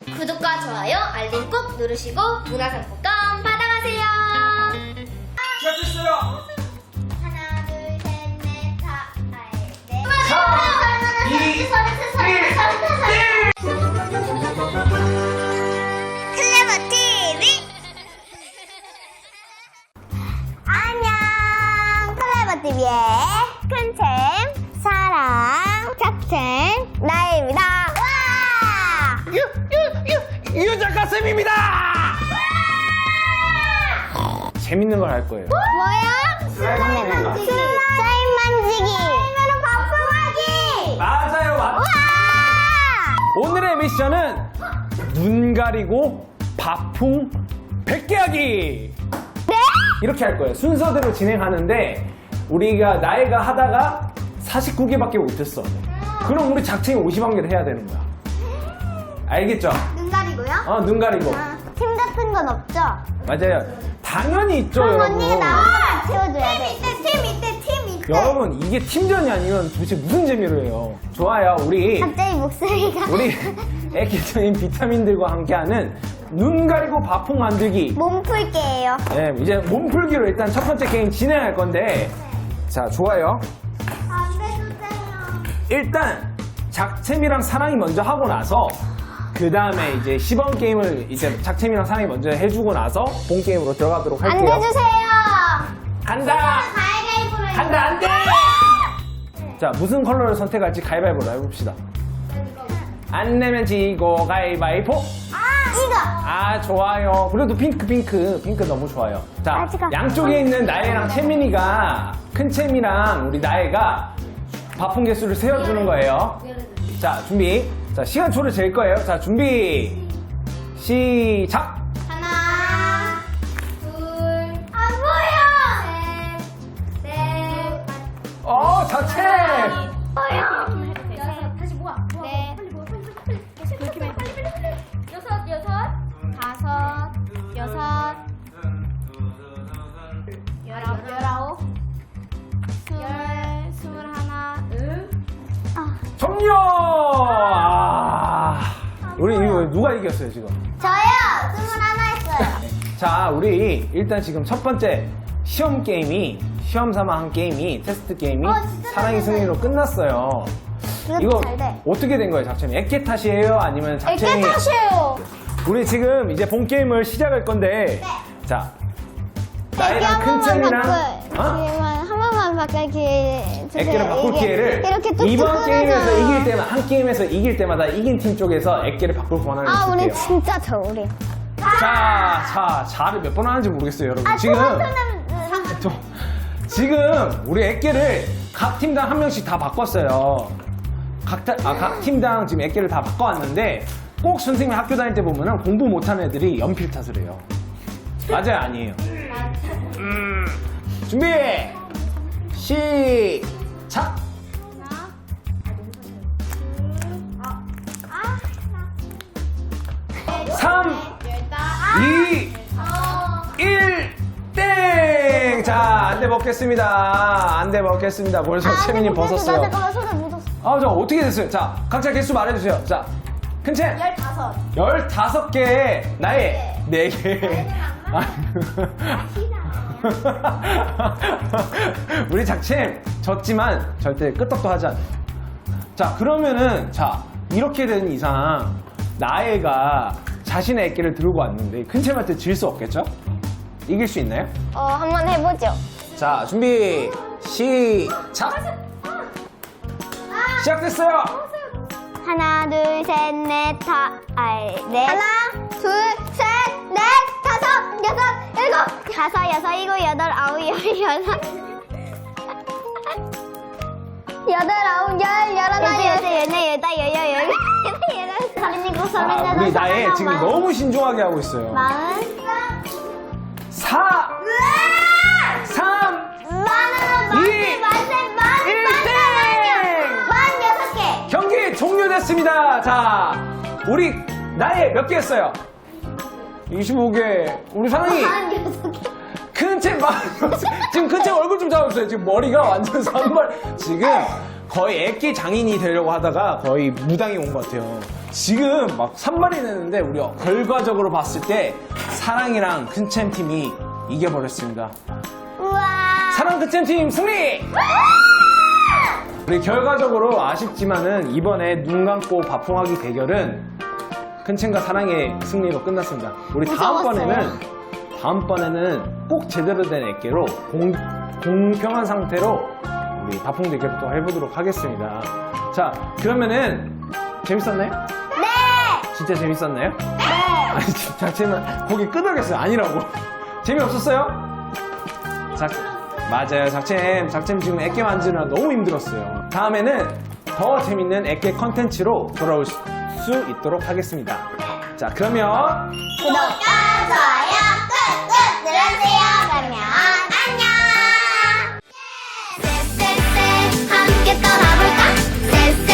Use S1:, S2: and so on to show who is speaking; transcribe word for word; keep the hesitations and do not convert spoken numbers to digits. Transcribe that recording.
S1: 구독과 좋아요, 알림 꼭 누르시고 문화상품권 받아가세요.
S2: 시작했어요.
S1: 하나, 둘, 셋, 넷, 다, 아, 네.
S2: 삼, 이,
S1: 클레버 티비. 안녕, 클레버 티비의 큰챔, 사랑, 작챔, 나입니다. 와!
S2: 유, 유, 유, 유 작가쌤입니다. 재밌는 걸 할 거예요.
S1: 뭐야? 슬라임 만지기. 슬라임 만지기. 슬라임으로 바풍하기.
S2: 맞아요, 맞.
S1: 와!
S2: 오늘의 미션은 눈 가리고 바풍 백 개 하기.
S1: 네?
S2: 이렇게 할 거예요. 순서대로 진행하는데 우리가 나이가 하다가 사십구 개밖에 못했어. 그럼 우리 작품이 오십일 개를 해야 되는 거야. 알겠죠?
S1: 눈 가리고요?
S2: 어, 눈 가리고.
S1: 아, 팀 같은 건 없죠?
S2: 맞아요. 당연히 있죠,
S1: 그럼
S2: 여러분.
S1: 언니가 나만 채워줘야 돼. 팀 이때, 팀 이때, 팀 이때.
S2: 여러분, 이게 팀전이 아니면 도대체 무슨 재미로 해요? 좋아요. 우리
S1: 갑자기 목소리가.
S2: 우리 애기적인 비타민들과 함께하는 눈 가리고 바풍 만들기.
S1: 몸풀게예요.
S2: 네, 이제 몸풀기로 일단 첫 번째 게임 진행할 건데, 자, 좋아요.
S1: 안 돼주세요.
S2: 일단 작챔이랑 사랑이 먼저 하고 나서 그 다음에 이제 시범 게임을 이제 작챔이랑 사랑이 먼저 해주고 나서 본 게임으로 들어가도록
S1: 안
S2: 할게요.
S1: 돼주세요.
S2: 간다.
S1: 가위바위보로 해요.
S2: 간다 안돼. 자, 무슨 컬러를 선택할지 가위바위보로 해봅시다. 안 내면 지고 가위바위보.
S1: 아, 이거.
S2: 아, 좋아요. 그래도 핑크 핑크 핑크 너무 좋아요. 자,
S1: 아직은-
S2: 양쪽에 있는 나혜랑 채민이가, 큰 채미랑 우리 나혜가 바풍 개수를 세워주는 거예요. 자, 준비. 자, 시간초를 잴 거예요. 자, 준비 시작.
S1: 하나, 둘, 안 보여. 셋, 넷,
S2: 어, 자체.
S1: 보여. 여섯, 다시 모아. 모아. 네. 빨리 모아. 빨리 빨리 빨리. 그렇게 빨리 빨리 빨리 빨리. 여섯, 여섯, 다섯, 여섯, 열아홉, 열아홉, 열, 스물하나, 응. 아.
S2: 종료. 아, 우리 이거 누가 이겼어요 지금?
S1: 저요. 스물하나 했어요.
S2: 자, 우리 일단 지금 첫 번째 시험 게임이, 시험 삼아 한 게임이, 테스트 게임이
S1: 어, 진짜
S2: 사랑이
S1: 잘
S2: 승리로 끝났어요.
S1: 이것도
S2: 이거
S1: 잘 돼.
S2: 어떻게 된 거예요, 작챔이? 애깨 탓이에요? 아니면 작챔이?
S1: 애깨 탓이에요.
S2: 우리 지금 이제 본 게임을 시작할 건데,
S1: 네.
S2: 자,
S1: 애깨
S2: 나이랑
S1: 한
S2: 큰
S1: 번만
S2: 챔이랑,
S1: 바꿀.
S2: 어?
S1: 지금 한 번만 바꿀 기회 주세요.
S2: 애깨를 바꿀
S1: 이게
S2: 기회를
S1: 이렇게 뚝뚝
S2: 이번 게임에서
S1: 끊어져요.
S2: 이길 때마다, 한 게임에서 이길 때마다 이긴 팀 쪽에서 애깨를 바꿀 권한을
S1: 아,
S2: 줄게요.
S1: 우리 진짜 저 우리.
S2: 자, 자, 자를 몇 번 하는지 모르겠어요, 여러분.
S1: 아,
S2: 지금.
S1: 저한테는
S2: 저, 지금 우리 애깨를 각 팀당 한 명씩 다 바꿨어요. 각, 타- 아, 각 팀당 지금 애깨를 다 바꿔왔는데 꼭 선생님이 학교 다닐 때 보면은 공부 못하는 애들이 연필 탓을 해요. 맞아요, 아니에요? 음, 준비 시작. 삼, 이, 일, 땡! 자, 안돼 먹겠습니다. 안돼 먹겠습니다. 벌써 채민이 벗었어요.
S1: 나 잠깐만 손에 묻었어.
S2: 아, 저 어떻게 됐어요? 자, 각자 개수 말해주세요. 자, 큰 챔.
S1: 열다섯.
S2: 열다섯 개, 나의 네 개. 우리 작챔 졌지만 절대 끄떡도 하지 않아요. 자, 그러면은, 자, 이렇게 된 이상, 나애가 자신의 애끼를 들고 왔는데, 큰 챔한테 질 수 없겠죠? 이길 수 있나요?
S1: 어, 한번 해보죠.
S2: 자, 준비, 시작! 시작됐어요!
S1: 하나, 둘, 셋, 넷, 다, 아이, 넷. 하나, 둘, 셋, 넷, 다섯, 여섯, 일곱. 다섯, 여섯, 일곱, 여덟, 아홉, 열, 여섯. 여덟, 아홉, 열, 열하나, 열둘, 열넷, 열다, 열여, 열, 열여덟, 열아홉, 서른, 일곱, 서른,
S2: 자,
S1: 여덟,
S2: 우리 나애
S1: 서른,
S2: 지금
S1: 마흔,
S2: 너무 신중하게 하고 있어요.
S1: 마흔.
S2: 사, 삼,
S1: 만으로
S2: 이,
S1: 만세, 만세, 만,
S2: 일,
S1: 만,
S2: 땡!
S1: 만 여섯 개.
S2: 경기 종료됐습니다. 자, 우리 나애 몇 개 했어요? 이십오 개. 우리 사랑이
S1: 만 여섯 개.
S2: 큰 책 막, 지금 큰 책 얼굴 좀 잡아주세요. 지금 머리가 완전 산발. 지금 거의 애기 장인이 되려고 하다가 거의 무당이 온 것 같아요. 지금 막 산발이 내는데 우리 결과적으로 봤을 때 사랑이랑 큰챔 팀이 이겨버렸습니다.
S1: 우와.
S2: 사랑 큰챔 팀 승리! 우리 결과적으로 아쉽지만은 이번에 눈 감고 바풍하기 대결은 큰챔과 사랑의 승리로 끝났습니다. 우리 다음번에는 다음번에는 꼭 제대로 된 애깨로 공, 공평한 상태로 우리 바풍 대결 또 해보도록 하겠습니다. 자, 그러면은 재밌었나요?
S1: 네.
S2: 진짜 재밌었나요?
S1: 네.
S2: 아니, 지금 자체는 거기 끄덕였어요. 아니라고. 재미없었어요? 작, 맞아요. 작챔, 작챔 지금 애깨 만지느라 너무 힘들었어요. 다음에는 더 재밌는 애깨 컨텐츠로 돌아올 수 있도록 하겠습니다. 자, 그러면
S1: 구독과 좋아요 꾹꾹 눌러주세요. 그러면 안녕. 쎄쎄쎄 함께 떠나볼까? 쎄쎄